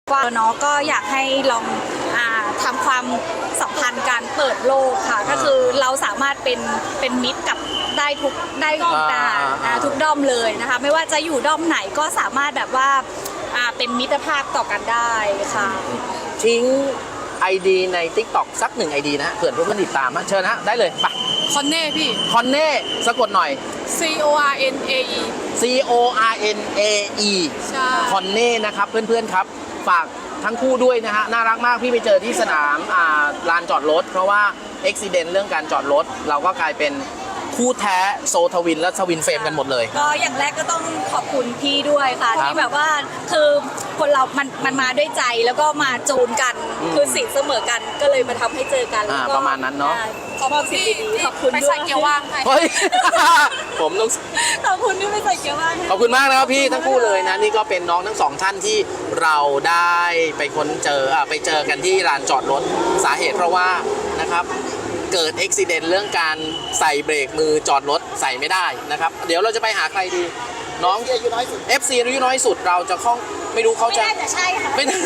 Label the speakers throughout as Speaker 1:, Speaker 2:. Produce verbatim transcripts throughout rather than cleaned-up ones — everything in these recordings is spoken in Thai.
Speaker 1: ว่าเนาะก็อยากให้ลองอ่าทำความสัมพันธ์การเปิดโลกค่ะก็คือเราสามารถเป็นเป็นมิตรกับได้ทุกได้ทุกด้านอ่าทุกด้อมเลยนะคะไม่ว่าจะอยู่ด้อมไหนก็สามารถแบบว่าอ่าเป็นมิตรภาพต่อกันได้ค่ะ
Speaker 2: ทิ้ง ไอ ดี ใน ติ๊กต็อก สักหนึ่ง ไอ ดี นะเผื่อเพื่อนๆติดตามนะเชิญนะได้เลยไป
Speaker 3: คอนเน่พี่
Speaker 2: คอนเน่สะกดหน่อย
Speaker 3: C O R N A E
Speaker 2: C O R N A E
Speaker 3: ใช่
Speaker 2: คอนเน่นะครับเพื่อนๆครับฝากทั้งคู่ด้วยนะฮะน่ารักมากพี่ไปเจอที่สนามอ่าลานจอดรถเพราะว่าอุบิเหตุเรื่องการจอดรถเราก็กลายเป็นคู่แท้โซทวินและทวินเฟรมกันหมดเลย
Speaker 1: ก็อย่างแรกก็ต้องขอบคุณพี่ด้วยค่ะที่แบบว่าคือคนเรามันมันมาด้วยใจแล้วก็มาจูนกันคือสิ่งเสมอกันก็เลยมาทำให้เจอกันแล้วก็
Speaker 2: ประมาณนั้นเนาะ
Speaker 1: ขอบคุณพี่ขอบคุณด้วย
Speaker 3: ไปใส่เกียร์ว่างให้
Speaker 2: เฮ้ย ผมต้อง
Speaker 1: ขอบคุณที่ไม่ใส่เกียร์ว่าง
Speaker 2: ขอบคุณมากนะครับพี่ทั้งคู่เลยนะนี่ก็เป็นน้องทั้งสองท่านที่เราได้ไปค้นเจออ่าไปเจอกันที่ลานจอดรถสาเหตุเพราะว่านะครับเกิดอุบิเหตุเรื่องการใส่เบรกมือจอดรถใส่ไม่ได้นะครับเดี๋ยวเราจะไปหาใครดีน้อง เอฟ ซี อายุน้อยสุดเราจะคล้องไม่รู้เขาจะ
Speaker 1: ไม่น่าจะใช่ค่ะ
Speaker 2: ไม่น่า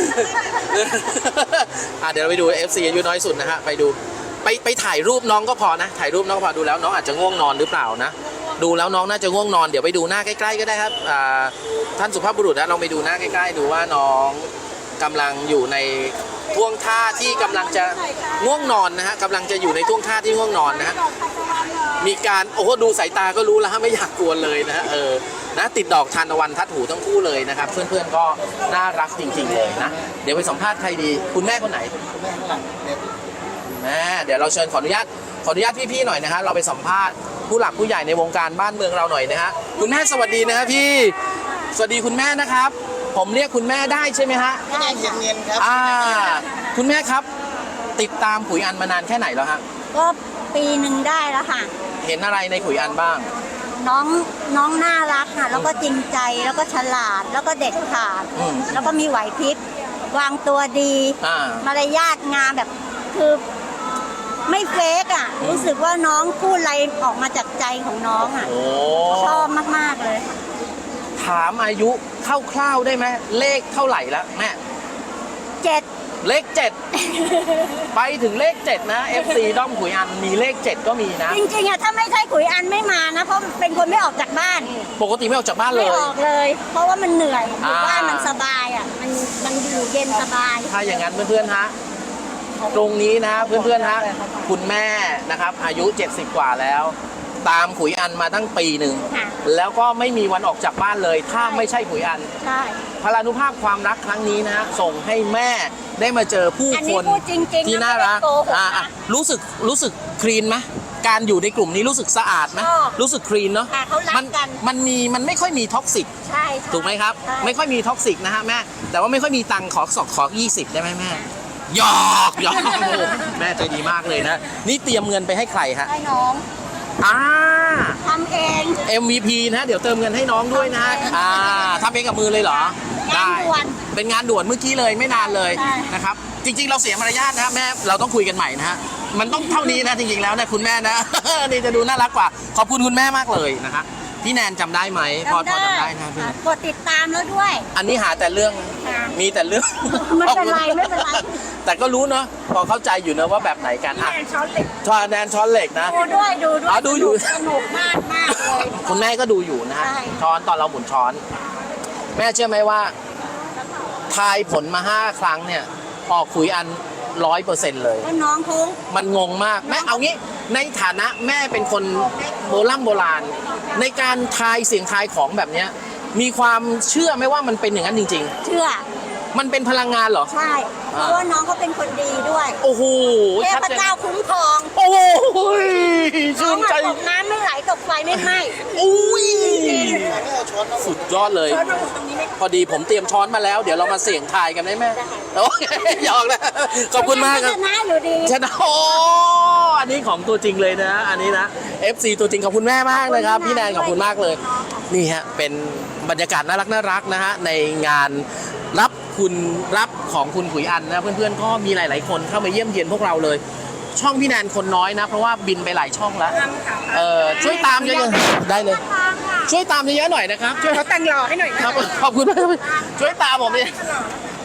Speaker 2: อ่ะเดี๋ยวเราไปดู เอฟ ซี อายุน้อยสุดนะฮะไปดูไปไปถ่ายรูปน้องก็พอนะถ่ายรูปน้องก็พอดูแล้วน้องอาจจะง่วงนอนหรือเปล่านะดูแล้วน้องน่าจะง่วงนอนเดี๋ยวไปดูหน้าใกล้ๆก็ได้ครับอ่าท่านสุภาพบุรุษนะลองไปดูหน้าใกล้ๆดูว่าน้องกำลังอยู่ในท่วงท่าที่กำลังจะง่วงนอนนะฮะกำลังจะอยู่ในท่วงท่าที่ง่วงนอนนะฮะมีการโอ้โหดูสายตาก็รู้แล้วฮะไม่อยากกวนเลยนะฮะเออนะติดดอกทานตะวันทัดหูทั้งคู่เลยนะครับเพื่อนๆก็น่ารักจริงๆเลยนะเดี๋ยวไปสัมภาษณ์ใครดีคุณแม่คนไหนแม่เดี๋ยวเราเชิญขออนุญาตขออนุญาตพี่ๆหน่อยนะฮะเราไปสัมภาษณ์ผู้หลักผู้ใหญ่ในวงการบ้านเมืองเราหน่อยนะฮะคุณแม่สวัสดีนะฮะพี่สวัสดีคุณแม่นะครับผมเรียกคุณแม่ได้ใช่ไหมฮะ
Speaker 4: ได้เย็นๆครับ
Speaker 2: อ่าคุณแม่ครับติดตามขุยอันมานานแค่ไหนแล้วฮะ
Speaker 5: ก็ปีหนึ่งได้แล้วค่ะ
Speaker 2: เห็นอะไรในขุยอันบ้าง
Speaker 5: น้องน้องน่ารักค่ะแล้วก็จริงใจแล้วก็ฉลาดแล้วก็เด็ดขาดแล้วก็มีไหวพริบวางตัวดีมารยาทงามแบบคือไม่เฟกอ่ะรู้สึกว่าน้องพูดอะไรออกมาจากใจของน้องอ่ะชอบมากๆเลย
Speaker 2: ถามอายุคร่าวๆได้ไหมเลขเท่าไหร่แล้วแม่
Speaker 5: เจ็ด
Speaker 2: เลขเจ็ดไปถึงเลขเจ็ดนะ เอฟ ซี ด้อมขุยอันมีเลขเจ็ดก็มีนะ
Speaker 5: จริงๆอ่ะถ้าไม่ใช่ขุยอันไม่มานะเพราะเป็นคนไม่ออกจากบ้าน
Speaker 2: ปกติไม่ออกจากบ้านเลย
Speaker 5: ไม่ออกเลย เพราะว่ามันเหนื่อยอยู่บ้านมันสบายอ่ะมันมันอยู่เย็นสบาย
Speaker 2: ถ้าอย่างนั้นเพื่อนๆฮะตรงนี้นะเพื่อนๆฮะคุณแม่นะครับอายุเจ็ดสิบกว่าแล้วตามขุยอันมาตั้งปีหนึ่งแล้วก็ไม่มีวันออกจากบ้านเลยถ้าไม่ใช่ขุยอัน
Speaker 5: ใช่
Speaker 2: พลานุภาพความรักครั้งนี้นะฮะส่งให้แม่ได้มาเจอผู้คนที่น่ารักอ่ารู้สึกรู้สึกคลีนไหมการอยู่ในกลุ่มนี้รู้สึกสะอาดไหมรู้สึกคลีนเนาะมันมันมีมันไม่ค่อยมีท็อกซิกถูกไหมครับไม่ค่อยมีท็อกซิกนะฮะแม่แต่ว่าไม่ค่อยมีตังค์ขอสอกขอยี่สิบได้ไหมแม่หยอกหยอกแม่ใจดีมากเลยนะนี่เตรียมเงินไปให้ใครฮะ
Speaker 5: ให้น้อง
Speaker 2: อ่า
Speaker 5: ทำเอง
Speaker 2: เอ็ม วี พี นะเดี๋ยวเติมเงินให้น้องด้วยนะอ่าทำเองกับมือเลยเหรอ
Speaker 5: ได้
Speaker 2: เป็นงานด่วนเมื่อกี้เลยไม่นานเลยนะครับจริงๆเราเสียมารยาทนะแม่เราต้องคุยกันใหม่นะฮะมันต้องเท่านี้นะจริงๆแล้วนะคุณแม่นะนี่จะดูน่ารักกว่าขอบคุณคุณแม่มากเลยนะคะพี่แนนจำได้ไหมพอพอจำได้นะพี่
Speaker 5: กดติดตามแล้วด้วย
Speaker 2: อันนี้หาแต่เรื่องมีแต่เรื่อง
Speaker 5: ไม่เป็นไรไม่เป็นไร
Speaker 2: แต่ก็รู้เนาะพอเข้าใจอยู่นะว่าแบบไหนกันอ่ะ
Speaker 5: แนนช้อนเหล็ก
Speaker 2: ช้อนแนนช้อนเหล็กนะ
Speaker 5: ดูด้วยดูด้วย
Speaker 2: อ๋อดูอยู่
Speaker 5: สนุกมากมากเลย
Speaker 2: คุณแม่ก็ดูอยู่นะฮะช้อนตอนเราหมุนช้อนแม่เชื่อไหมว่าทายผลมาห้าครั้งเนี่ยออกขุยอันร้อยเปอร์เซ็นต์เลย
Speaker 5: น้องเขา
Speaker 2: มันงงมากแม่เอางี้ในฐานะแม่เป็นคนโบราณโบราณในการทายเสียงทายของแบบนี้มีความเชื่อไหมว่ามันเป็นอย่างนั้นจริง
Speaker 5: ๆเชื่อ
Speaker 2: มันเป็นพลังงานเหรอ
Speaker 5: ใช่เพราะว่าน้องเขาเป็นคนดีด้วย
Speaker 2: โอ้โห
Speaker 5: เทพเจ้าคุ้มครอง
Speaker 2: โอ้ยชื่นใจ
Speaker 5: ตกน้ำไม่ไหลตกไฟไม่ไหม้
Speaker 2: อุ้ยสุดยอดเลยพอดีผมเตรียมช้อนมาแล้วเดี๋ยวเรามาเสี่ยงทายกันได้ไหมโอเคหยอกนะขอบคุณมากครับ
Speaker 5: ชนะอยู่ดี
Speaker 2: ชนะโอ้อันนี้ของตัวจริงเลยนะอันนี้นะ เอฟ ซี ตัวจริงขอบคุณแม่มากเลยครับพี่แนนขอบคุณมากเลยนี่ฮะเป็นบรรยากาศน่ารักน่ารักนะฮะในงานรับคุณรับของคุณขุยอันนะเพื่อนๆก็มีหลายๆคนเข้ามาเยี่ยมเยียนพวกเราเลยช่องพี่แนนคนน้อยนะเพราะว่าบินไปหลายช่องแล้วเออช่วยตามเยอะๆได้เลยช่วยตามเยอะๆหน่อยนะครับช่วย
Speaker 3: เขาแต่งหล่อให้หน่อย
Speaker 2: ครับขอบคุณมากช่วยตามผมเลยต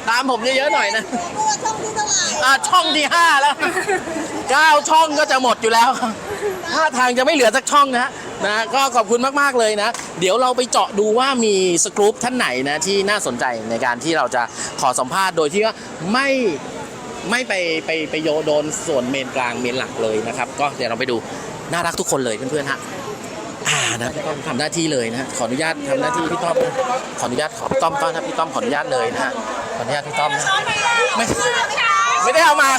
Speaker 2: ตามผมเยอะๆหน่อยนะอ่าช่องที่ห้าแล้วเก้าช่องก็จะหมดอยู่แล้วท่าทางจะไม่เหลือสักช่องนะนะก็ขอบคุณมากๆเลยนะ เดี๋ยวเราไปเจาะดูว่ามีสกรูปท่านไหนนะที่น่าสนใจในการที่เราจะขอสัมภาษณ์โดยที่ว่าไม่ไม่ไปไปไปโยโดนส่วนเมนกลางเมนหลักเลยนะครับ ก็เดี๋ยวเราไปดูน่ารักทุกคนเลยเพื่อนๆฮะอ่านะพี่ต้อมทำหน้าที่เลยนะขออนุญาตทำหน้าที่พี่ต้อมนะขออนุญาตขอพี่ต้อมต้อนนะพี่ต้อมขออนุญาตเลยนะฮะขออนุญาตพี่ต้อมนะไม่ไม่ได้เอามา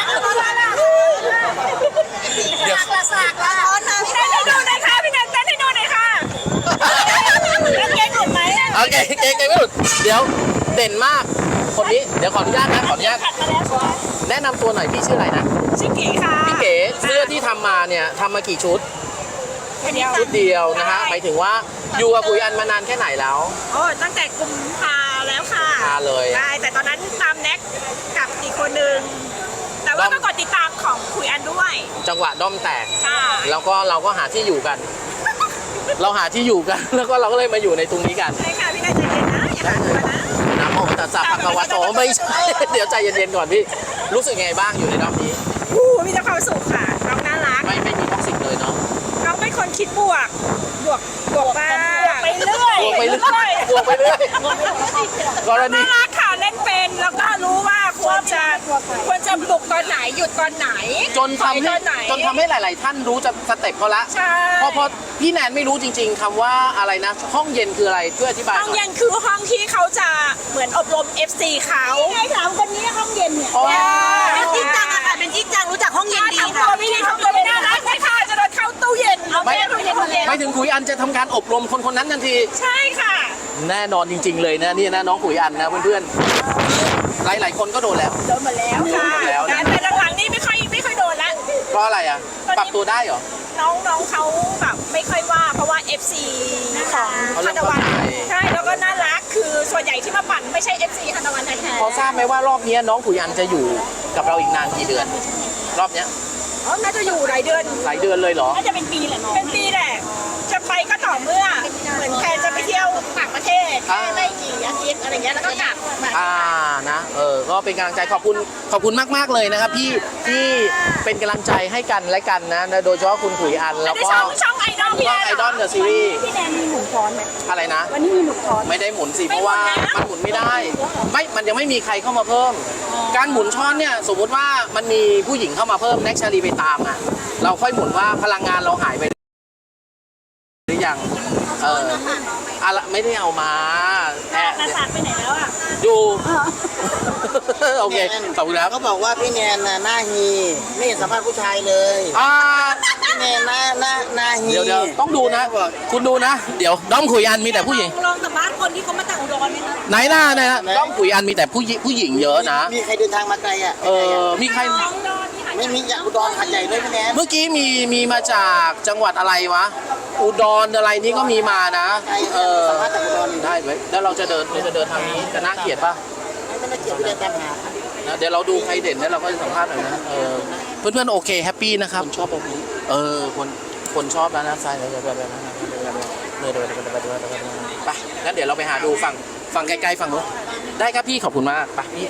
Speaker 2: เดี๋ยว
Speaker 1: สากละร้อนนะพี่แนนให้ดูหน่อยค่ะพี่แนนเต้นให้ดูหน่อยค่ะเก่งหลุดไหม
Speaker 2: โอเคเก่งเก่งไม่หลุดเดี๋ยวเด่นมากคนนี้เดี๋ยวขออนุญาตนะขออนุญาต
Speaker 1: ขัดมาแล้วใช่ไหม
Speaker 2: แนะนำตัวหน่อยพี่ชื่ออะไรนะ
Speaker 1: ชื่อเก๋ค่ะ
Speaker 2: พี่เก๋เสื้อที่ทำมาเนี่ยทำมากี่ชุด
Speaker 1: เดียว
Speaker 2: ชุดเดียวนะฮะหมายถึงว่าอยู่กับคุยอันมานานแค่ไหนแล้ว
Speaker 1: โอ้ตั้งแต่กุมภาแล้วค่ะ
Speaker 2: พาเลย
Speaker 1: ใช่แต่ตอนนั้นตามแน็กกับอีกคนนึงแต่ว่าก็กดติดตามของคุยอันด้วย
Speaker 2: จังหวะด้อมแตก
Speaker 1: ค่ะ
Speaker 2: แล้วก็เราก็หาที่อยู่กัน เราหาที่อยู่กัน แล้วก็เราก็เลยมาอยู่ในตรงนี้กัน
Speaker 1: ใช่ค่ะพี่นายใจเย็นนะอย่าหาตัวนะ
Speaker 2: น้ำโมตัสสะภะคะวะโตไม่ใช่ เดี๋ยวใจเย็นๆก่อนพี่รู้สึกไงบ้างอยู่ในรอบนี้
Speaker 1: อู้มีแต่ความสุขค่ะน้องน่ารัก
Speaker 2: ไม่ไม่มีท็อกซิกเลยเนาะ
Speaker 1: น้องเป็นคนคิดบวก บวก บวกมากไปเรื่อย
Speaker 2: บวกไปเรื่อยบวกไปเรื่อยกรณี
Speaker 1: น่ารักค่ะเล่นเป็นแล้วก็รู้ว่าควรจะควรจะบุกตอนไหนหยุดตอนไหน
Speaker 2: จนทำ
Speaker 1: ต
Speaker 2: ให้
Speaker 1: อนไหน
Speaker 2: จนทำให้หลาย ๆ ท่านรู้จะสเต็ปเขาละ
Speaker 1: ใช่
Speaker 2: เพราะเพราะพี่แนนไม่รู้จริง ๆคำว่าอะไรนะ ห้องเย็นคืออะไรช่วยอธิบายห
Speaker 1: ห้อง
Speaker 2: น่อย
Speaker 1: เย็นคือห้องที่เขาจะเหมือนอบรม เอฟ ซี เขาไอ้สามคนนี้ห้องเย็นเนี่ย
Speaker 2: อ๋อ
Speaker 1: เป็นจริงจังอะค่ะเป็นจริงจังรู้จักห้องเย็นดีค่ะไม่ดีห้องเย็นไม่น่ารักเลยค่ะจะโดนเข้าตู้เย็นเอา
Speaker 2: ไม่
Speaker 1: แม่ตู้เย็นตู้เย็น
Speaker 2: ไม่ถึงขุยอันจะทำการอบรมคนคนนั้นทันที
Speaker 1: ใช่ค่ะ
Speaker 2: แน่นอนจริง ๆ เลยนะนี่นะน้องขุยอันนะเพื่อนๆหลาย ๆ คนก็โดนแล้ว
Speaker 1: โดนมาแล้วค่ะ
Speaker 2: โดนมาแล้วนะ
Speaker 1: แต่หลังๆนี่ไม่ค่อยไม่ค่อยโดนละ
Speaker 2: เพราะอะไรอ่ะ ปรับตัวได้เหรอ
Speaker 1: น้องน้องเขาแบบไม่ค่อยว่าเพราะว่า เอฟ ซี ของ
Speaker 2: เขาเริ่
Speaker 1: ฮั
Speaker 2: ม
Speaker 1: นวัน
Speaker 2: เข้าใจ
Speaker 1: ใช่แล้วก็น่ารักคือส่วนใหญ่ที่มาปั่นไม่ใช่ เอฟ ซี ฮันวันแท้ๆ
Speaker 2: พอทราบไหมว่ารอบนี้น้องขุยอันจะอยู่กับเราอีกนานกี่เดือน รอบเนี้ย
Speaker 1: อ๋อน่าจะอยู่หลายเดือน
Speaker 2: หลายเดือนเลยเหรอ
Speaker 1: น่าจะเป็นปีแหละน้องเป็นปีแหละจะไปก็ต่อเมื่อเหมือนแพนจะไปเที่ยวต่างประเทศแค่ไม่กี่อาทิตย์อะไรเงี้ยแล้วก็กลับมา
Speaker 2: อ่านะเออก็เป็นกำลังใจขอบคุณขอบคุณมากๆเลยนะครับพี่ที่เป็นกำลังใจให้กันและกันนะโดยเฉพาะคุณขุยอันแล้ว
Speaker 1: ได้
Speaker 2: ก็
Speaker 1: ช่องช่องไอดอลพี่
Speaker 2: ช่องไอดอลเดอะซีรีส์
Speaker 5: พี่แนนมีหมุนช้อนไหม
Speaker 2: อะไรนะ
Speaker 5: วันนี้มีหมุนช้อน
Speaker 2: ไม่ได้หมุนสิเพราะว่ามันหมุนไม่ได้ไม่มันยังไม่มีใครเข้ามาเพิ่ม การหมุนช้อนเนี่ยสมมุติว่ามันมีผู้หญิงเข้ามาเพิ่มแน็กชาลีไปตามอ่ะเราค่อยหมุนว่าพลังงานเราหายไปหรือยังเอออะไรไม่ได้เอามาแอบ
Speaker 1: นาสาดไปไหนแล้วอ่ะ
Speaker 2: อยู่ โอเคขอบคุณครับ
Speaker 4: เขาบอกว่าพี่แนนน่ะหน้าฮีไม่เห็นสัมภาษณ์ผู้ชายเลย
Speaker 2: อ่า
Speaker 4: พี่แนนหน้าหน้าหน้าฮี
Speaker 2: เดี๋ยวเดี๋ยวต้องดูนะ
Speaker 4: บอก
Speaker 2: คุณดูนะ เดี๋ยวด้อมขุยอันมีแต่ผู้หญิง
Speaker 1: ลองสัมภาษณ์คนที่เขามาจากอุดรไหมคะ
Speaker 2: ไหนหน้าไหนนะด้อมขุยอันมีแต่ผู้หญิงผู้หญิงเยอะนะ
Speaker 4: มีใครเดินทางมาไกลอ่ะ
Speaker 2: เออมีใคร
Speaker 1: น้องดอนที่หา
Speaker 4: ไม่มีอยากอุดรขันใหญ่ด้วยพี่แนน
Speaker 2: เมื่อกี้มีมีมาจากจังหวัดอะไรวะ อุดรอะไรนี่ก็มีมานะ
Speaker 4: ใคร
Speaker 2: เออ
Speaker 4: สัมภาษณ์จากอุดรอยู่
Speaker 2: ได้ไหมแล้วเราจะเดินเราจะเดินทางนี้จะน่าเกลียดป่ะ
Speaker 4: ไม่ได้เกี่ยวพี่แนนตามหา
Speaker 2: นะเดี๋ยวเราดูใครเด่นแล้วเราก็จะสัมภาษณ์หน่อยนะเออเพื่อนๆโอเคแฮปปี้นะครับ
Speaker 4: ผมชอบแบบนี้
Speaker 2: เออคนคนชอบนะนะใช่เลยเลยเลยเลยเลยเลยไปงั้นเดี๋ยวเราไปหาดูฝั่งฝั่งไกลๆฝั่งนู้นได้ครับพี่ขอบคุณมากไปพี่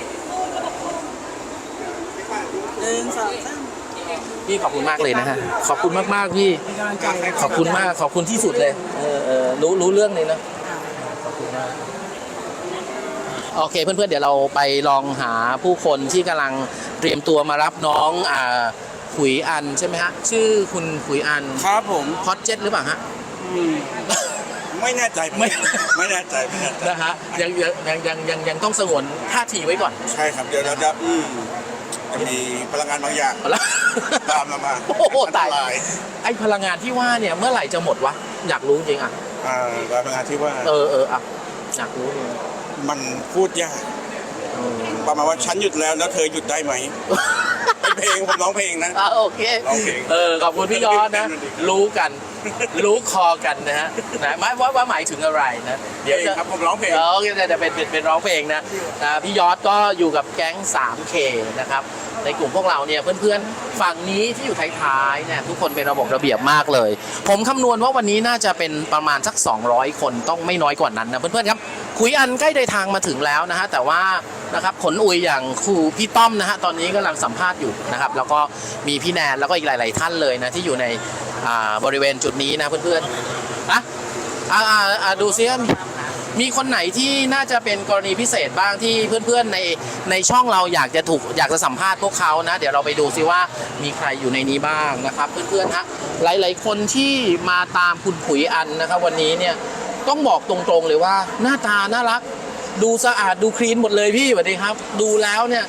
Speaker 4: หนึ่งสองสาม
Speaker 2: พี่ขอบคุณมากเลยนะฮะขอบคุณมากๆพี่ขอบคุณมากขอบคุณที่สุดเลยเออเออรู้รู้เรื่องเลยนะขอบคุณมากโอเคเพื่อนๆเดี๋ยวเราไปลองหาผู้คนที่กำลังเตรียมตัวมารับน้องอ่าขุยอันใช่ไหมฮะชื่อคุณขุยอัน
Speaker 6: ครับผม
Speaker 2: ฮอตเจ็ตหรือเปล่าฮะ
Speaker 6: ไม่แน่ใจ
Speaker 2: ไม่
Speaker 6: ไม่แน่ใจไม่แน่ใจ
Speaker 2: นะฮะยังยังยังยังยังยังต้องสงวนท่าทีไว้ก่อน
Speaker 6: ใช่ครับเดี๋ยวเราจะอืมจะมีพลังงานบางอย่าง
Speaker 2: เอาละ
Speaker 6: ตามเรามา
Speaker 2: โอ้โหตาย
Speaker 6: อันร
Speaker 2: ไอพลังงานที่ว่าเนี่ยเมื่อไหร่จะหมดวะอยากรู้จริงอ่ะ
Speaker 6: อ่าพลังงานที่ว่า
Speaker 2: เออเอออ่ะอยากรู้จริง
Speaker 6: มันพูดยาก
Speaker 2: เออ
Speaker 6: ประมาณว่าฉันหยุดแล้วแล้วเธอหยุดได้ไหมเป็นเพลงผมร้องเพลงนะ
Speaker 2: อ่ะโอเค
Speaker 6: ร้องเพลง
Speaker 2: เออขอบคุณพี่ยอดนะ รู้กัน รู้คอกันนะฮะนะหมายว่าว่าหมายถึงอะไรนะเดี๋ยวจะ
Speaker 6: ครับผมร้องเพลง
Speaker 2: เออโอเคจะจะเป็นเป็นเป็นร้องเพลงนะนะพี่ยอดก็อยู่กับแก๊ง ทรี เค นะครับในกลุ่มพวกเราเนี่ยเพื่อนๆฝั่งนี้ที่อยู่ท้ายๆเนี่ยทุกคนเป็นระบบระเบียบมากเลย ผมคำนวณว่าวันนี้น่าจะเป็นประมาณสักสองร้อยคนต้องไม่น้อยกว่านั้นนะเพื่อนๆครับขุยอันใกล้เดินทางมาถึงแล้วนะฮะแต่ว่านะครับขนอุยอย่างครูพี่ต้อมนะฮะตอนนี้กำลังสัมภาษณ์อยู่นะครับแล้วก็มีพี่แนนแล้วก็อีกหลาย ๆ ท่านเลยนะที่อยู่ในอ่าบริเวณจุดนี้นะเพื่อนๆอ่ะอ่าอ่าอ่าดูซิว่ามีมีคนไหนที่น่าจะเป็นกรณีพิเศษบ้างที่เพื่อนๆในในช่องเราอยากจะถูกอยากจะสัมภาษณ์พวกเขานะเดี๋ยวเราไปดูซิว่ามีใครอยู่ในนี้บ้างนะครับเพื่อนๆฮะหลายๆคนที่มาตามคุณผุยอันนะครับวันนี้เนี่ยต้องบอกตรงๆเลยว่าหน้าตาน่ารักดูสะอาดดูคลีนหมดเลยพี่สวัสดีครับดูแล้วเนี่ย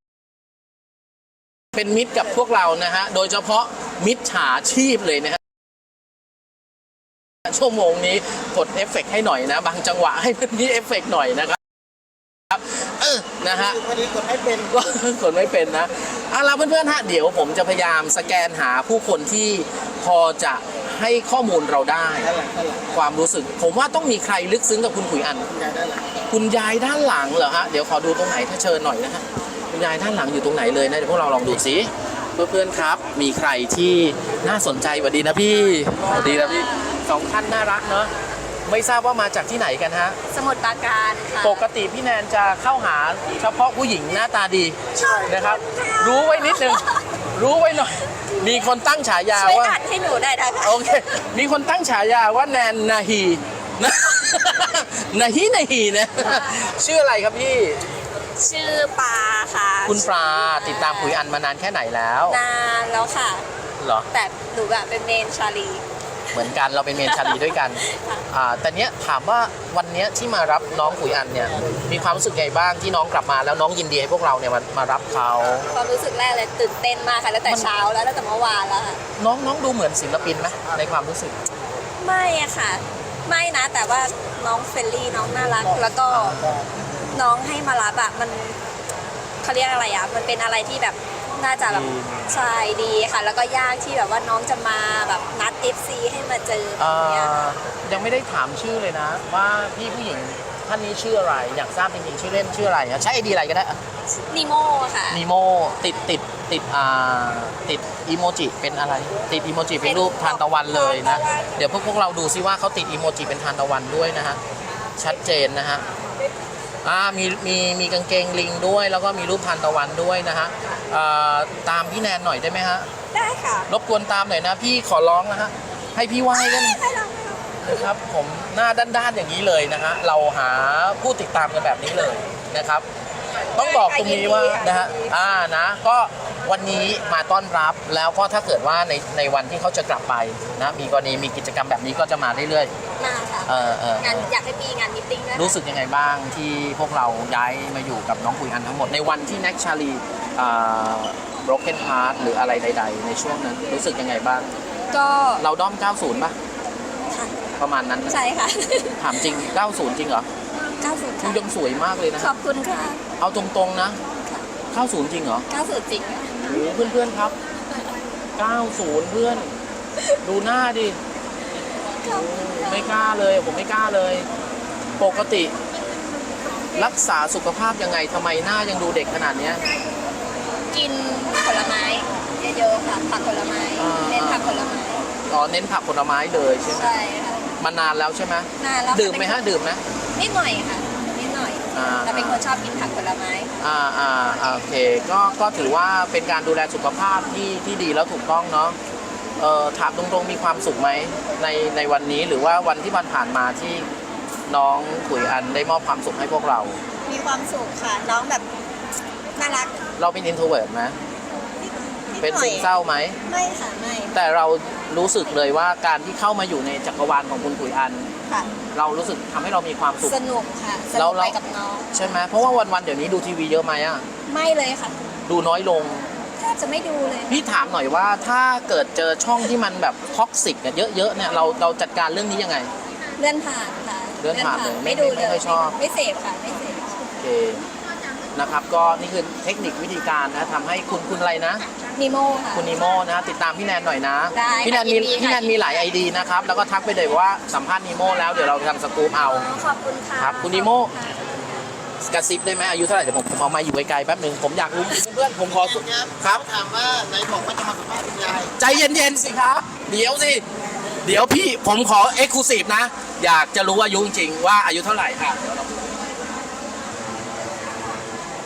Speaker 2: เป็นมิตรกับพวกเรานะฮะโดยเฉพาะมิจฉาชีพเลยนะฮะชั่วโมงนี้กดเอฟเฟกต์ให้หน่อยนะบางจังหวะให้มันมีเอฟเฟกต์หน่อยนะครับเออนะฮะ
Speaker 4: พอดีกดให้เป็น
Speaker 2: ก็กดไม่เป็นนะเอาล่ะเพื่อนๆฮะเดี๋ยวผมจะพยายามสแกนหาผู้คนที่พอจะให้ข้อมูลเราได้
Speaker 4: ด้านหลังด้านหลัง
Speaker 2: ความรู้สึกผมว่าต้องมีใครลึกซึ้งกับคุณขุยอัน
Speaker 4: ยายด้านหลัง
Speaker 2: คุณยายด้านหลังเหรอฮะเดี๋ยวขอดูตรงไหนถ้าเชิญหน่อยนะฮะคุณยายด้านหลังอยู่ตรงไหนเลยนะเดี๋ยวพวกเราลองดูสิเพื่อนๆครับมีใครที่น่าสนใจสวัสดีนะพี่สวัสดีนะพี่สองท่านน่ารักเนอะไม่ทราบว่ามาจากที่ไหนกันฮะ
Speaker 1: สมุดปราการค่ะ
Speaker 2: ปกติพี่แนนจะเข้าหาเฉพาะผู้หญิงหน้าตาดีนะครับ รู้ไว้นิดนึงรู้ไว้หน่อย มีคนตั้งฉายา
Speaker 1: ช่วย
Speaker 2: ว่า
Speaker 1: อ่านให้หนูได้นะคะ
Speaker 2: โอเคมีคนตั้งฉายาว่าแนนนาฮีนะ นาฮีนาฮีนะชื่ออะไรครับพี่
Speaker 1: ชื่อปลาค่ะ
Speaker 2: คุณปลาติดตามผุยอันมานานแค่ไหนแล้ว
Speaker 1: นานแล้วค่ะ
Speaker 2: เหรอ
Speaker 1: แต่หนูแบบเป็นเมนชาลี
Speaker 2: เหมือนกันเราเป็นเมนชาลีด้วยกัน
Speaker 1: ค่ะ
Speaker 2: อ่าแต่เนี้ยถามว่าวันเนี้ยที่มารับน้องผุยอันเนี่ยมีความรู้สึกไงบ้างที่น้องกลับมาแล้วน้องยินดีให้พวกเราเนี่ยมามารับเขา
Speaker 1: ความรู้สึกแรกเลยตื่นเต้นมากค่ะตั้งแต่เช้าแล้วตั้งแต่เมื่อวานแล้วค่ะ
Speaker 2: น้องน้องดูเหมือนศิลปินไหมในความรู้สึก
Speaker 1: ไม่อะค่ะ ไม่นะ แต่ว่าน้องเฟรนลี่น้องน่ารัก แล้วก็น้องให้มารับอะมันเขาเรียกอะไรอะมันเป็นอะไรที่แบบน่าจะแบบใช่ดีค่ะ แล้วก็ยากที่แบบว่าน้องจะมาแบบนัด เอฟ ซี ให้มาเจอแบ
Speaker 2: เอ่
Speaker 1: บเนี้ย
Speaker 2: อยังไม่ได้ถามชื่อเลยนะ ว่าพี่ผู้หญิงท่านนี้ชื่ออะไร อยากทราบจริงๆชื่อเล่นชื่ออะไรอะใช้ไอดีอะไรก็ได้
Speaker 1: นิโมค่ะ
Speaker 2: นีโมติดติดติดอ่าติดอีโมจิเป็นอะไร ติดอีโมจิเป็นรูปทานตะวันเลยนะ เดี๋ยวพวกพวกเราดูซิว่าเขาติดอีโมจิเป็นทานตะวันด้วยนะฮะชัดเจนนะฮะอ่ามีมีมีกางเกงลิงด้วย แล้วก็มีรูปทานตะวันด้วยนะฮะเอ่อตามพี่แนนหน่อยได้ไหมฮะ
Speaker 1: ได้ค่ะ
Speaker 2: รบกวนตามหน่อยนะ พี่ขอร้องนะฮะให้พี่ไหว้กันนะครับผมหน้าด้านๆอย่างนี้เลยนะฮะเราหาผู้ติดตามกันแบบนี้เลยนะครับ ต้องบอกตรงนี้ว่านะฮะอ่านะก็วันนี้มาต้อนรับแล้วก็ถ้าเกิดว่าในในวันที่เขาจะกลับไปนะมีกรณีมีกิจกรรมแบบนี้ก็จะมาเรื่อย
Speaker 1: มาค่ะ
Speaker 2: ๆเออเออง
Speaker 1: านอยากให้มีงานมิทติ้งด้วย
Speaker 2: รู้สึกยังไงบ้างที่พวกเราย้ายมาอยู่กับน้องคุยอันทั้งหมดในวันที่แน็กชาลีอ่า broken heart หรืออะไรใด ๆ ในช่วงนั้นรู้สึกยังไงบ้าง
Speaker 1: ก็
Speaker 2: เราด้อม เก้าสิบ ป่ะ
Speaker 1: ค่ะ
Speaker 2: ประมาณนั้นนะ
Speaker 1: ใช่ค่ะ
Speaker 2: ถามจริง เก้าสิบ จริงเหรอ
Speaker 1: เก้าสิบ
Speaker 2: คุณ
Speaker 1: ค่ะ
Speaker 2: ยังสวยมากเลยนะ
Speaker 1: ขอบคุณค่ะ
Speaker 2: เอาตรงๆนะ เก้าสิบ จริงเหรอ
Speaker 1: เก้าสิบจริงค่ะ
Speaker 2: โอ้โหเพื่อนๆครับ เก้าสิบ เพื่อน ดูหน้าดิ ไม่กล้าเลย ผมไม่กล้าเลย ปกติ รักษาสุขภาพยังไงทำไมหน้ายังดูเด็กขนาดเนี้ย
Speaker 1: กินผลไม้เยอะๆค่ะผักผลไม้
Speaker 2: อ่า
Speaker 1: เน้นผักผลไม้
Speaker 2: อ๋อเน้นผักผลไม้เลยใช่ไหม
Speaker 1: ใช่ค่ะ
Speaker 2: มานานแล้วใช่ไหม
Speaker 1: นานแล้ว
Speaker 2: ดื่มไหมฮะดื่มไหม
Speaker 1: นิดหน่อยค่ะนิดหน่อย
Speaker 2: อ่า
Speaker 1: แต่เป็นคนชอบกินผักผลไม้
Speaker 2: อ่าอ่าอ่าโอเคก็ก็ถือว่าเป็นการดูแลสุขภาพที่ที่ดีแล้วถูกต้องเนาะเอ่อถามตรงๆมีความสุขไหมในในวันนี้หรือว่าวันที่ผ่านๆมาที่น้องขุยอันได้มอบความสุขให้พวกเรา
Speaker 5: มีความสุขค่ะ น้องแบบน่ารัก
Speaker 2: เราเป็น introvert ไหม
Speaker 5: นิด
Speaker 2: เป็น
Speaker 5: หน่
Speaker 2: ซึ
Speaker 5: อย
Speaker 2: มเศร้าไหม
Speaker 5: ไม่ค่ะไม่
Speaker 2: แต่เรารู้สึกเลยว่าการที่เข้ามาอยู่ในจักรวาลของคุณขุยอัน
Speaker 5: ค่ะ
Speaker 2: เรารู้สึกทำให้เรามีความสุข
Speaker 1: สนุกค่ะส
Speaker 2: แล้
Speaker 1: นุ
Speaker 2: ว
Speaker 1: ก
Speaker 2: แล้
Speaker 1: ไป
Speaker 2: ว
Speaker 1: กับน้อง
Speaker 2: ใช่ไหมเพราะว่าวันๆเดี๋ยวนี้ดูทีวีเยอะไหมอะ
Speaker 1: ไม่เลยค่ะ
Speaker 2: ดูน้อยลง
Speaker 1: แทบจะไม่ดูเลย
Speaker 2: พี่ถามหน่อยว่าถ้าเกิดเจอช่องที่มันแบบท็อกซิกเยอะๆเนี่ยเราเราจัดการเรื่องนี้ยังไง
Speaker 1: เลื่อนผ่านค่ะ
Speaker 2: เลื่อนผ่านเลยไม่
Speaker 1: ไม่ดู
Speaker 2: ไม่
Speaker 1: เลย
Speaker 2: ค่อยชอบ
Speaker 1: ไม่เสพค่ะไม่เสพ
Speaker 2: โอเคนะครับก็นี่คือเทคนิควิธีการนะทำให้คุณคุณอะไรนะ
Speaker 1: นิโมค่ะ
Speaker 2: คุณนิโมนะติดตามพี่แนนหน่อยนะ
Speaker 1: ได้
Speaker 2: พี่แนนมี
Speaker 1: ยินดีค่ะ
Speaker 2: พี่แนนมีหลายไอดีนะครับแล้วก็ทักไปเลยว่าสัมภาษณ์นิโมแล้วเดี๋ยวเราทำสกู๊ปเอา
Speaker 1: ขอบคุณค่ะ
Speaker 2: ครับคุณนิโมกระซิบได้ไหมอายุเท่าไหร่เดี๋ยวผมผมเอามาอยู่ไกลๆแป๊บหนึ่งผมอยากรู้เพื่อนๆผมขอสุดครับ
Speaker 4: ถามว่าไหนบอกว่าจะมาสัมภาษณ์คุณยาย
Speaker 2: ใจเย็นๆสิครับเดี๋ยวสิเดี๋ยวพี่ผมขอเอ็กซ์คลูซีฟนะอยากจะรู้อายุจริงๆว่าอายุเท่าไหร่ค่ะเดี๋ยวเรา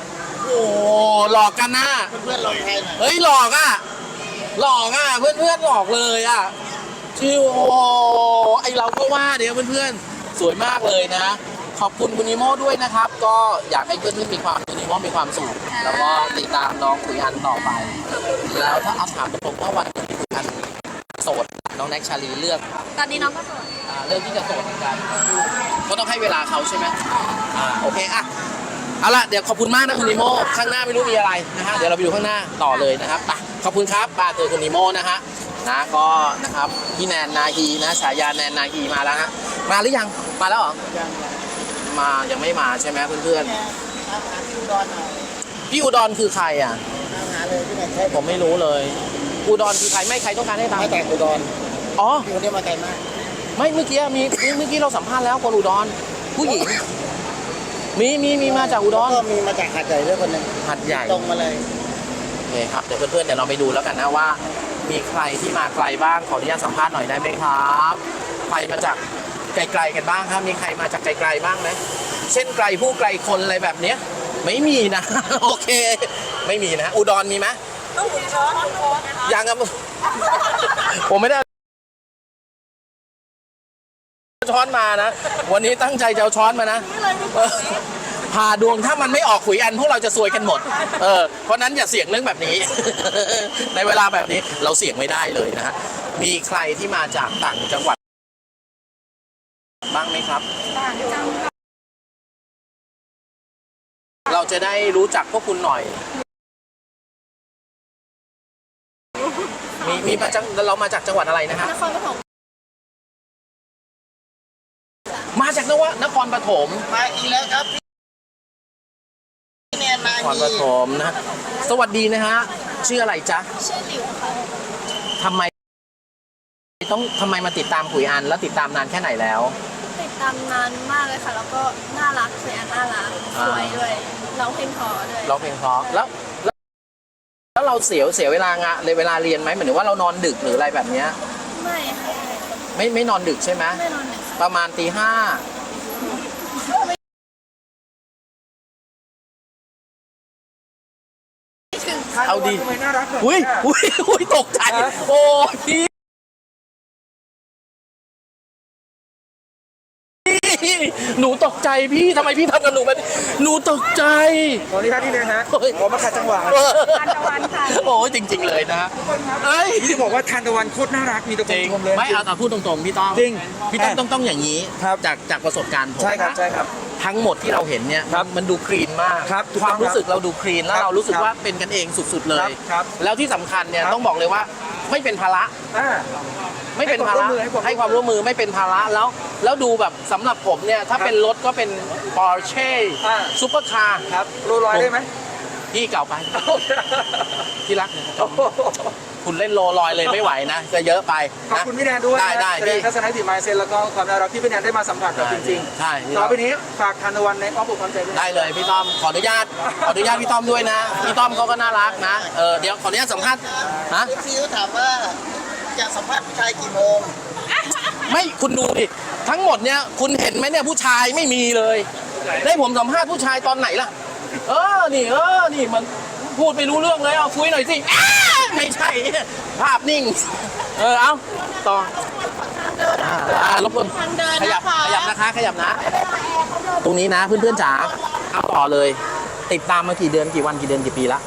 Speaker 2: หลอกกันนะ
Speaker 4: เพื่อนๆลองใครหน่อย
Speaker 2: เฮ้ยหลอกอ่ะหลอกอ่ะเพื่อนเพื่อนๆหลอกเลยอ่ะชื่อโอ้ไอเราก็ว่าเดี๋ยวเพื่อนๆสวยมากเลยนะ ขอบคุณคุณนิโม่ด้วยนะครับ ก็อยากให้เพื่อนๆมีความคุณนิโม่มีความสุขแล้วก็ติดตามน้องขุยอันต่อไป แล้วถ้าเอาถามผมว่าวันนี้ขุยอันโสดน้องแน็กชาลีเลือก
Speaker 1: ตอนนี้น้องก็โสด
Speaker 2: อ่าเรื่องที่จะโสดเหมือนกันก็ต้องให้เวลาเขาใช่ไหมอ่าโอเคอ่ะเอาละเดี๋ยวขอบคุณมากนะคุณนิโม่ข้างหน้าไม่รู้มีอะไรนะฮะเดี๋ยวเราไปดูข้างหน้าต่อเลยนะครับไปขอบคุณครับปาเจอคุณนิโม่นะฮะนะก็นะครับพี่แนนนาฮีนะฉายาแนนนาฮีมาแล้วฮะมาหรือยังมาแล้วเหรอ
Speaker 4: ยัง
Speaker 2: มายังไม่มาใช่ไหมเพื่อน
Speaker 4: เนี่ยตามหาที่อุดรหน่อย
Speaker 2: ๆพี่อุดรคือใครอ่ะ
Speaker 4: ตามหาเลยที่ไหนใช่
Speaker 2: ผมไม่รู้เลยอุดรคือใครไม่ใครต้องการให้ตาม
Speaker 4: มาจากอุดร
Speaker 2: อ๋อ
Speaker 4: พี่คนนี้มาไกลมาก
Speaker 2: ไม่เมื่อกี้มีเมื่อกี้เราสัมภาษณ์แล้วคนอุดรผู้หญิงมีมีมีมาจากอุด
Speaker 4: แล้ว
Speaker 2: ร
Speaker 4: ก็มีมาจากหาดใหญ่ด้วยคนหนึ่ง
Speaker 2: หัดใหญ่
Speaker 4: ตรงมาเลย
Speaker 2: โอเคครับเดี๋ยวเพื่อนๆเดี๋ยวเราไปดูแล้วกันนะว่า มีใครที่มาไกลบ้างขออนุญาตสัมภาษณ์หน่อยได้ไหมครับใครมาจากไกลๆกันบ้างครับมีใครมาจากไกลๆบ้างไหมเช่นไกลผู้ไกลคนอะไรแบบเนี้ยไม่มีนะ โอเค ไม่มีนะอุดรมีไหมยังครับ ผมไม่ได้ช้อนมานะ วันนี้ตั้งใจจะเอาช้อนมานะเออพาดวงถ้ามันไม่ออกขุยอันพวกเราจะซวยกันหมด เออเพราะนั้นอย่าเสี่ยงเรื่องแบบนี้ ในเวลาแบบนี้เราเสี่ยงไม่ได้เลยนะฮะมีใครที่มาจากต่างจังหวัดบ้างไหมครับ เราจะได้รู้จักพวกคุณหน่อย มีมีมาจากเรามาจากจังหวัดอะไรนะฮะ
Speaker 3: นครปฐม
Speaker 2: มาจากนวนครปฐม
Speaker 4: มาอีกแล้วครับพี่แนนนาน
Speaker 2: ครป
Speaker 4: ฮี
Speaker 2: ฐมนะ สวัสดีนะฮะ ชื่ออะไรจ๊ะ
Speaker 3: ชื่อหลิวค่ะ
Speaker 2: ทำไมต้องทำไมมาติดตามขุยอันแล้วติดตามนานแค่ไหนแล้ว
Speaker 3: ติดตามนานมากเลยค่ะ แล้วก็น่ารักสวยอันน่ารัก
Speaker 2: อ่า
Speaker 3: สวยด้วยร้องเพลงเพอด้วย
Speaker 2: ร้องเพลงเพราะแล้วแล้ว แล้วเราเสียเสียเวลางะเลยเวลาเรียนไหมเหมือนว่าเรานอนดึกหรืออะไรแบบเนี้ย
Speaker 3: ไม่ค่ะ
Speaker 2: ไม่ไม่นอนดึกใช่ไหม
Speaker 3: ไม่นอนหนึ่ง
Speaker 2: ประมาณตีห้าเอาดีอุ้ยอุ้ยอุ้ยตกใจโอ้พี่หนูตกใจพี่ทำไมพี่ทำกับหนูแบบนี้หนูตกใจ
Speaker 7: ขออนุญาตนิดนึงฮะ
Speaker 2: โอ้ย
Speaker 7: ผมมาขัดจังหวะ
Speaker 1: ทานตะวันค่ะ
Speaker 2: โอ้ยจริง ๆ เลยนะเอ้ย
Speaker 7: พี่จะบอกว่าทานตะวันโคตรน่ารักมีตะ
Speaker 2: จริง
Speaker 7: ชมเลย
Speaker 2: ไม่เอาเอาพูดตรงๆพี่ต้อง
Speaker 7: จริง
Speaker 2: พี่ต้องต้องต้องอย่างนี้
Speaker 7: ครับ
Speaker 2: จากจากประสบการณ์ผม
Speaker 7: ใช่ครับ
Speaker 2: นะ
Speaker 7: ใช่ครับ
Speaker 2: ทั้งหมดที่เราเห็นเนี่ย
Speaker 7: ครับ
Speaker 2: มันดูคลีนมาก
Speaker 7: ครับถูก
Speaker 2: ค
Speaker 7: ต้
Speaker 2: วา
Speaker 7: อ
Speaker 2: ม
Speaker 7: ง
Speaker 2: รู้สึกเราดูคลีนแล้
Speaker 7: คว รับ
Speaker 2: เรารู้สึก
Speaker 7: ครับ
Speaker 2: ว่าเป็นกันเองสุดๆเลย
Speaker 7: ครับ
Speaker 2: แล้วที่สำคัญเนี่ย
Speaker 7: ครับ
Speaker 2: ต้องบอกเลยว่าไม่เป็นภาระ
Speaker 7: อ่า
Speaker 2: ไม่เป็นภาระ
Speaker 7: ให้ความร่วมมือให้ความร่วมมือ
Speaker 2: ให้ความร่วมมือไม่เป็นภาระแล้ว แล้วดูแบบสำหรับผมเนี่ยถ้า
Speaker 7: ครับ
Speaker 2: เป็นรถก็เป็น Porsche
Speaker 7: อ่า
Speaker 2: ซุปเปอร์คาร์
Speaker 7: ครับโรลลอยได้ไหม
Speaker 2: พี่เก่าไปที่รักคุณเล่นโลลอยเลยไม่ไหวนะจะเยอะไป
Speaker 7: ขอบ
Speaker 2: นะ
Speaker 7: คุณพี่แนนด้วย
Speaker 2: ได้ได้
Speaker 7: แสดง
Speaker 2: พี่
Speaker 7: ทัศนคติมายเซนแล้วก็ความน่ารักที่พี่แนนได้มาสัมผัสกับจริง
Speaker 2: ใช่
Speaker 7: ๆต่อไปนี้ฝากทานตะวันในอ้อมอกความใจด้วย
Speaker 2: ได้เลยพี่ต้อมขออนุญาตขออนุญาตพี่ต้อมด้วยนะพี่ต้อมเขาก็น่ารักนะเออเดี๋ยวขออนุญาตสัมภาษณ์ฮะ
Speaker 4: เอฟซีเขาถามว่าจะสัมภาษณ์ผู้ชายกี่โมง
Speaker 2: ไม่คุณดูดิทั้งหมดเนี่ยคุณเห็นไหมเนี่ยผู้ชายไม่มีเลย ได้ผมสัมภาษณ์ผู้ชายตอนไหนล่ะ เออนี่เออนี่มันพูดไม่รู้เรื่องเลยเอาคุยหน่อยสิอ้าไม่ใช่ภาพนิ่ง เออเอาต่ออ่าอ่ารบกวน
Speaker 3: ทางเดิน
Speaker 2: ขยั
Speaker 3: นะ
Speaker 2: บ
Speaker 3: คะ
Speaker 2: ขยับนะคะขยับนะ ตรงนี้นะเพื่อนๆจ๋าเอาต่อเลย ติดตามมากี่เดือนกี่วันกี่เดือนกี่ปีละ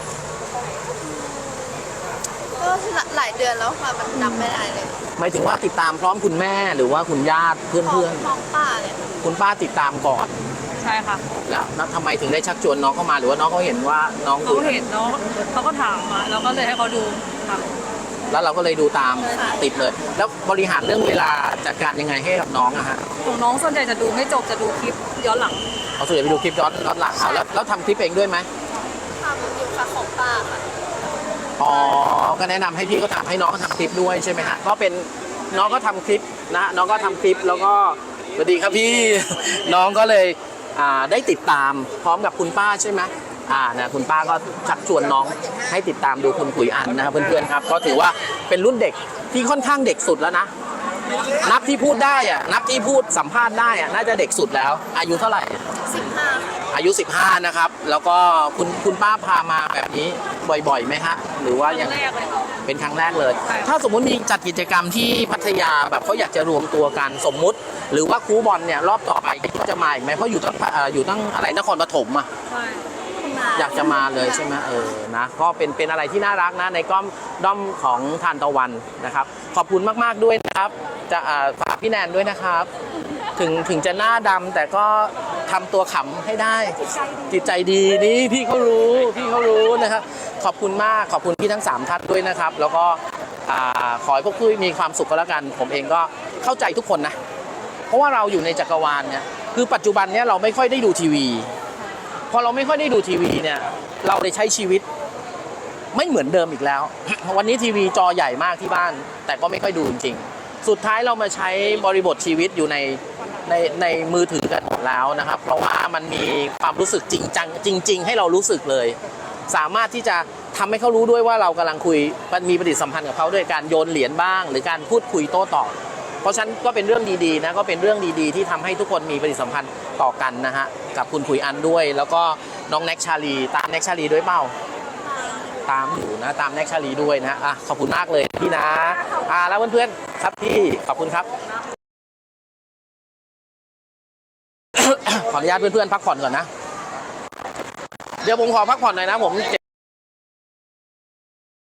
Speaker 3: ก็หลายเดือนแล้วค่ะ มันจำไม่ได้เลย
Speaker 2: หมายถึงว่าติดตามพร้อมคุณแม่หรือว่าคุณญาติเพื่อน
Speaker 3: ท้
Speaker 2: เพื่
Speaker 3: อ
Speaker 2: อง น
Speaker 3: ท้องป้าเลย
Speaker 2: คุณป้าติดตามก่อน
Speaker 1: ใช่ค่ะ
Speaker 2: แล้วแล้วทำไมถึงได้ชักชวนน้องเข้ามาหรือว่าน้องเขาเห็นว่าน้อง
Speaker 1: เขาเห็นเนาะเขาก็ถามมาเราก็เลยให้เขาดูค่ะ
Speaker 2: แล้วเราก็เลยดูตามติดเลย แล้วบริหารเรื่องเวลาจัดการยังไงให้กับน้องอะฮะ
Speaker 1: ของน้องส่วนใหญ่จะดูไม่จบจะดูคลิปย้อนหลัง
Speaker 2: เอาส่วนใหญ่ไปดูคลิปย้อนย้อนหลังเอาแล้วแล้วทำคลิปเองด้วยไหม
Speaker 3: ทำอยู่ค่ะของป้าค่ะ
Speaker 2: อ๋อก็แนะนำให้พี่เขาทำให้น้องเขาทำคลิปด้วยใช่ไหมฮะก็เป็นน้องก็ทำคลิปนะน้องก็ทำคลิปแล้วก็สวัสดีครับพี่ น้องก็เลยอ่าได้ติดตามพร้อมกับคุณป้าใช่ไหมอ่านะคุณป้าก็ชักชวนน้องให้ติดตามดูคุณขุยอันนะครับเพื่อนๆครับก็ถือว่าเป็นรุ่นเด็กที่ค่อนข้างเด็กสุดแล้วนะ นับที่พูดได้อะนับที่พูดสัมภาษณ์ได้อะน่าจะเด็กสุดแล้ว อายุเท่าไหร่
Speaker 3: สิบห้าค่ะ
Speaker 2: อายุ สิบห้า นะครับ แล้วก็คุณคุณป้าพามาแบบนี้บ่อยๆไหมฮะหรือว่ายังเป็นครั้งแรกเลย ถ้าสมมุติมีจัดกิจกรรมที่พัทยาแบบเขาอยากจะรวมตัวกันสมมุติ หรือว่าคูบอลเนี่ยรอบต่อไปก็จะมาอีกไหมเพราะอยู่ตั้งเอ่ออยู่ตั้งอะไรนครปฐมอ่ะอยากจะมาเลยใช่ไหมเออนะก็เป็นเป็นอะไรที่น่ารักนะในก้อมด้อมของทานตะวันนะครับ ขอบคุณมากๆด้วยนะครับจะอ่าฝากพี่แนนด้วยนะครับ ถึงถึงจะหน้าดำแต่ก็ทำตัวขำให้ได้ จิตใจดีนี่พี่เขารู้พี่เขารู้นะครับขอบคุณมากขอบคุณพี่ทั้งสามท่านด้วยนะครับ แล้วก็อ่าขอให้พวกคุยมีความสุขก็แล้วกัน ผมเองก็เข้าใจทุกคนนะ เพราะว่าเราอยู่ในจักรวาลเนี่ยคือปัจจุบันเนี่ยเราไม่ค่อยได้ดูทีวีพอเราไม่ค่อยได้ดูทีวีเนี่ยเราได้ใช้ชีวิตไม่เหมือนเดิมอีกแล้ว วันนี้ทีวีจอใหญ่มากที่บ้าน แต่ก็ไม่ค่อยดูจริงๆสุดท้ายเรามาใช้บริบทชีวิตอยู่ในในในมือถือกันหมดแล้วนะครับ เพราะว่ามันมีความรู้สึกจริงจังจริง ๆ ให้เรารู้สึกเลย สามารถที่จะทำให้เขารู้ด้วยว่าเรากำลังคุยมีปฏิสัมพันธ์กับเขาด้วยการโยนเหรียญบ้าง หรือการพูดคุยโต้ตอบเพราะฉะนั้นก็เป็นเรื่องดีๆนะก็เป็นเรื่องดีๆที่ทำให้ทุกคนมีปฏิสัมพันธ์ต่อกันนะฮะกับคุณคุยอันด้วย แล้วก็น้องแน็กชาลีตามแน็กชาลีด้วยเปล่าตามอยู่นะตามแน็กชาลีด้วยนะอ่ะขอบคุณมากเลยพี่นะอ่าแล้วเพื่อนๆครับพี่ขอบคุณครับ ขออนุญาตเพื่อนๆพักผ่อนก่อนนะเดี๋ยวผมขอพักผ่อนหน่อยนะผม